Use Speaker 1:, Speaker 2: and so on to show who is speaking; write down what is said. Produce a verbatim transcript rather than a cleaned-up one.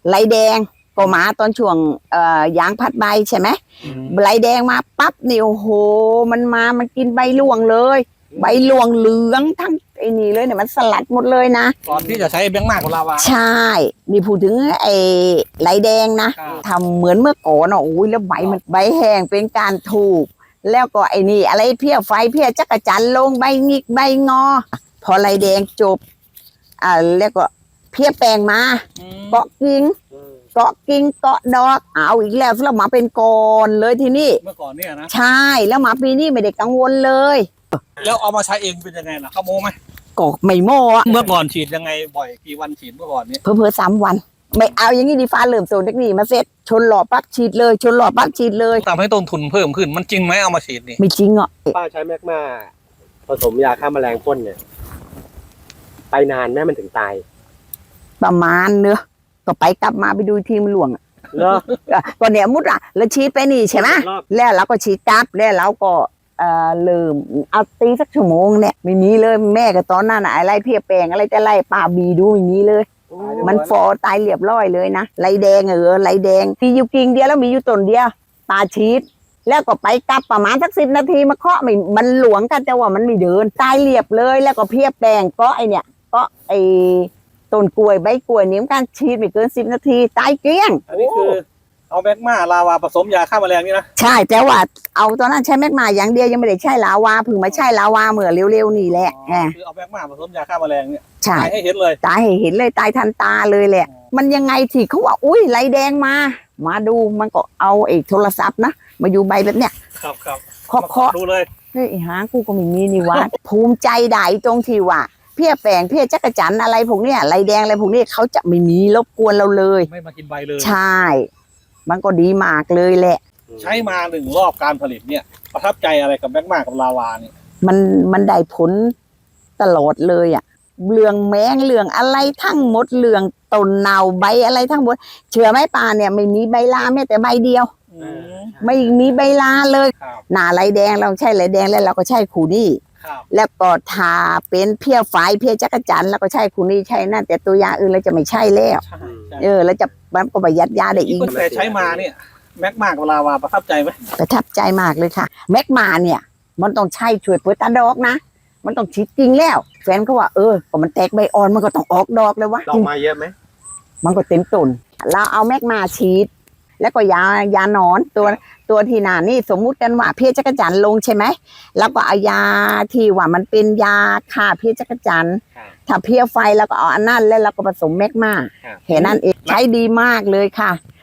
Speaker 1: ไหลแดงก็มาตอนช่วงเอ่อยางพัดใบใช่ไหมไหลแดงมาปั๊บนี่โอ้โหมันมามันกินใบหลวงเลยใบหลวงเหลืองทั้งไอ้นี่เลยเนี่ยมันสลัดหมดเลยนะ
Speaker 2: ก่อนที่จะใช้แบงค์มากของลาวา
Speaker 1: ใช่นี่พูดถึงไอ้ไหลแดงนะทำเหมือนเมื่อก่อนอ่ะโอ้ยแล้วใบมันใบแห้งเป็นการถูกแล้วก็ไอ้นี่อะไรเพี้ยไฟเพี้ยจักรจันลงใบงิกใบงอพอไหลแดงจบอ่าแล้วก็เพี้ยแปลงมาเกาะกิ่งเกาะกิ่งเกาะดอกเอาอีกแล้วแล้วมาเป็นกอนเลยทีนี้
Speaker 2: เมื่อก่อนเนี่ยนะ
Speaker 1: ใช่แล้วมาปีนี้ไม่ได้กังวลเลย
Speaker 2: แล้วเอามาใช้เองเป็นยังไงล่ะเขาโม้ไหม
Speaker 1: ก็ไม่โม้อะ
Speaker 2: เมื่อก่อนฉีดยังไงบ่อยกี่วันฉีดเมื่อก่อนเนี่ย
Speaker 1: เพิ่มเพิ่มสามวันไม่เอาอย่างนี้ดีฟ้าเริ่มโซนเทคนิคมาเสร็จชนหล่อปั๊บฉีดเลยชนหล่อปั๊บฉีดเลย
Speaker 2: ทำให้ต้นทุนเพิ่มขึ้นมันจริงไหมเอามาฉีดนี่
Speaker 1: ไม่จริงอ่ะ
Speaker 3: ป้าใช้แมกมาผสมยาฆ่าแมลงพ่นเนี่ยไปนานแม่มันถึงตาย
Speaker 1: ประมาณเนอะก็ไปกลับมาไปดูทีมหลวง
Speaker 3: เหรอ
Speaker 1: ก็เนี่ยมุดอ่ะแล้วฉีดไปนี่ใช่ไหมแล้วเราก็ฉีดกลับแล้วเราก็เอ่อลืมเอาตีสักชั่วโมงเนี่ยไม่มีเลยแม่ก็ตอนนั้นอะไรเพียแปลงอะไรจะไล่ป่าบีดูไม่มีเลยมันฟอตายเรียบร้อยเลยนะไหลแดงเออไหลแดงมีอยู่กิ่งเดียวแล้วมีอยู่ต้นเดียวตาฉีดแล้วก็ไปกลับประมาณสักสิบนาทีมาเคาะไม่มันหลวงกันแต่ว่ามันไม่เดินตายเรียบเลยแล้วก็เพียแปลงก็ไอเนี่ยก็ไอต้นกล้วยใบกล้วยนี่มันการฉีดไม่เกินสิบนาทีตายเกลี้ยง
Speaker 2: อันนี้คือเอาแมกมาลาวาผสมยาฆ่าแมลงนี่นะ
Speaker 1: ใช่แต่ว่าเอาตอนนั้นใช้แมกมาอย่างเดียวยังไม่ได้ใช้ลาวาเพิ่งมาใช้ลาวาเมื่อเร็วๆนี่แหละ
Speaker 2: คือเอาแมกมาผสมยาฆ่าแมลงเนี่ย
Speaker 1: ใช่
Speaker 2: ตายให้เห็นเลย
Speaker 1: ตายให้เห็นเลยตายทันตาเลยแหละมันยังไงที่เขาว่าอุ้ยไหลแดงมามาดูมันก็เอาไอ้โทรศัพท์นะมาอยู่ใบแบบเนี้ย
Speaker 2: ครับครับ
Speaker 1: เคาะเคาะ
Speaker 2: ดูเลย
Speaker 1: เฮ้ยหากูก็ไม่มีนี่วะ ภูมิใจได้ตรงที่ว่าเพี้ยแปลงเพี้ยจักรจันอะไรพวกเนี้ยไหลแดงอะไรพวกนี้เขาจะไม่มีรบกวนเราเลย
Speaker 2: ไม่มากินใบเลย
Speaker 1: ใช่มันก็ดีมากเลยแหละ
Speaker 2: ใช้มาหนึ่งรอบการผลิตเนี่ยประทับใจอะไรกับแมกมากับลาวาเนี่ย
Speaker 1: มันมันได้ผลตลอดเลยอ่ะเรื่องแมงเรื่องอะไรทั้งหมดเรื่องต้นเนาใบอะไรทั้งหมดเชื่อไหมป่าเนี่ยไม่มีใบลาแม้แต่ใบเดียวไม่มีใบลาเลยหน้าไหลแดงเราใช้ไหลแดงแล้วเราก็ใช้คูนี่แล้วก็ทาเป็นเพี้ยฝายเพี้ยจักรจันแล้วก็ใช้คูนี่ใช้นั่นแต่ตัวยาอื่นเราจะไม่ใช่แล้วเออแล้วจะมันก็ประหยัดยาได้อีก
Speaker 2: แต่ใช้มาเนี่ยแมกมากับลาวาประทับใจไหม
Speaker 1: ประทับใจมากเลยค่ะแมกมาเนี่ยมันต้องใช้ช่วยเปิดตาดอกนะมันต้องฉีดจริงแล้วแฟนเขาว่าเออพอมันแตกใบอ่อนมันก็ต้องออกดอกเลยวะ
Speaker 3: ดอกมาเยอะไหม
Speaker 1: มันก็เต็มต้นเราเอาแมกมาฉีดแล้วก็ยายาหนอนตัวตัวที่หนานี่สมมุติกันว่าเพี้ยจักรจันลงใช่ไหมแล้วก็เอายาที่ว่ามันเป็นยาฆ่าเพี้ยจักรจันถ้าเพี้ยไฟแล้วก็เอาอันนั้นแล้วเราก็ผสมแมกมาแค่นั้นเองใช้ดีมากเลยค่ะ